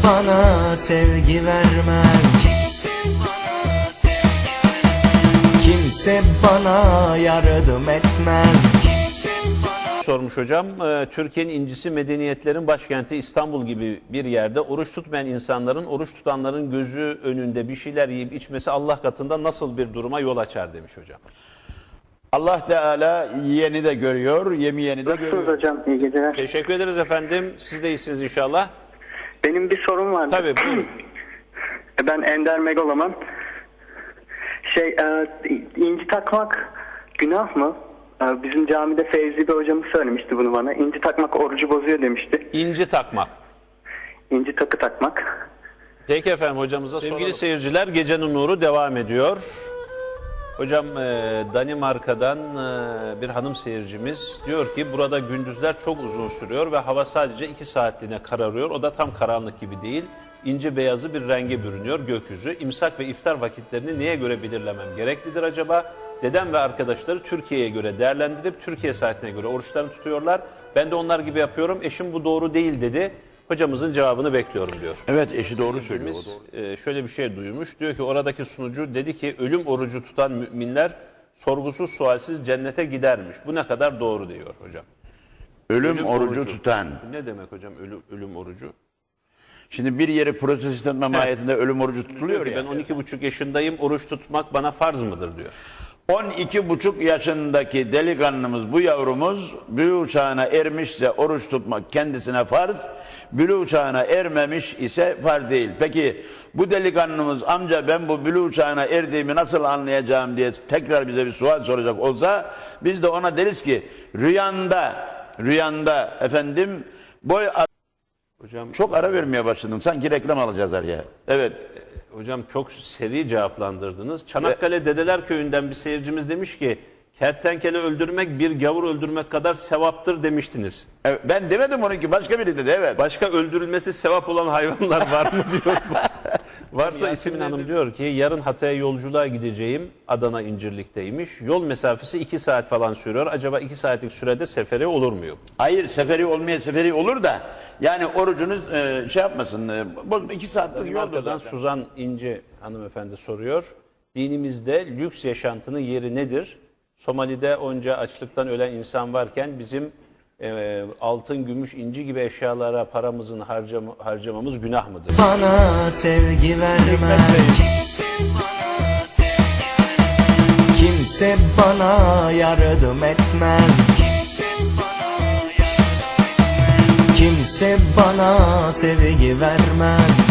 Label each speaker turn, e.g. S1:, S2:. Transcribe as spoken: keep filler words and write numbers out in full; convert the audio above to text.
S1: bana sevgi vermez. Kimse bana yardım etmez.
S2: Sormuş hocam, Türkiye'nin incisi medeniyetlerin başkenti İstanbul gibi bir yerde oruç tutmayan insanların, oruç tutanların gözü önünde bir şeyler yiyip içmesi Allah katında nasıl bir duruma yol açar demiş hocam.
S3: Allah Teala yiyeni de görüyor, yemeyeni de görüyor.
S4: Nasılsınız hocam? İyi geceler.
S2: Teşekkür ederiz efendim. Siz de iyisiniz inşallah.
S4: Benim bir sorum vardı.
S2: Tabii buyurun.
S4: Ben Ender Megaloman. Şey, e, inci takmak günah mı? E, bizim camide Fevzi bir hocamız söylemişti bunu bana. İnci takmak orucu bozuyor demişti.
S2: İnci takmak.
S4: İnci takı takmak.
S2: Peki efendim hocamıza soralım. Sevgili seyirciler, Gecenin Nuru devam ediyor. Hocam e, Danimarka'dan e, bir hanım seyircimiz diyor ki burada gündüzler çok uzun sürüyor ve hava sadece iki saatliğine kararıyor. O da tam karanlık gibi değil. İnci beyazı bir renge bürünüyor gökyüzü. İmsak ve iftar vakitlerini neye göre belirlemem gereklidir acaba? Dedem ve arkadaşları Türkiye'ye göre değerlendirip Türkiye saatine göre oruçlarını tutuyorlar. Ben de onlar gibi yapıyorum. Eşim bu doğru değil dedi. Hocamızın cevabını bekliyorum diyor.
S3: Evet, eşi doğru söylüyor.
S2: Biz, şöyle bir şey duymuş. Diyor ki oradaki sunucu dedi ki ölüm orucu tutan müminler sorgusuz sualsiz cennete gidermiş. Bu ne kadar doğru diyor hocam.
S3: Ölüm,
S2: Ölüm
S3: orucu,
S2: orucu
S3: tutan.
S2: Ne demek hocam ölüm, ölüm orucu?
S3: Şimdi bir yeri protestan memayetinde ölüm orucu tutuluyor ya.
S2: Ben on iki buçuk yaşındayım, oruç tutmak bana farz mıdır diyor.
S3: on iki buçuk yaşındaki delikanlımız, bu yavrumuz bülûğ çağına ermişse oruç tutmak kendisine farz, bülûğ çağına ermemiş ise farz değil. Peki bu delikanlımız amca ben bu bülûğ çağına erdiğimi nasıl anlayacağım diye tekrar bize bir sual soracak olsa biz de ona deriz ki rüyanda, rüyanda efendim boy
S2: Hocam
S3: çok ara vermeye başladım. Sanki reklam alacağız araya. Evet.
S2: Hocam çok seri cevaplandırdınız. Çanakkale Dedeler Köyü'nden bir seyircimiz demiş ki kertenkele öldürmek bir gavur öldürmek kadar sevaptır demiştiniz.
S3: Evet, ben demedim onunki, başka biri dedi, evet.
S2: Başka öldürülmesi sevap olan hayvanlar var mı diyor. Varsa İsmin Hanım diyor ki yarın Hatay'a yolculuğa gideceğim. Adana İncirlik'teymiş. Yol mesafesi iki saat falan sürüyor. Acaba iki saatlik sürede seferi olur muyum?
S3: Hayır, seferi olmaya seferi olur da yani orucunuz e, şey yapmasın. E, bozma, iki saatlik yoldur
S2: Arkadan
S3: zaten.
S2: Suzan İnce hanımefendi soruyor. Dinimizde lüks yaşantının yeri nedir? Somali'de onca açlıktan ölen insan varken bizim e, altın, gümüş, inci gibi eşyalara paramızın harcam harcamamız günah mıdır?
S1: Bana sevgi vermez. Kimse bana yardım etmez. Kimse bana sevgi vermez.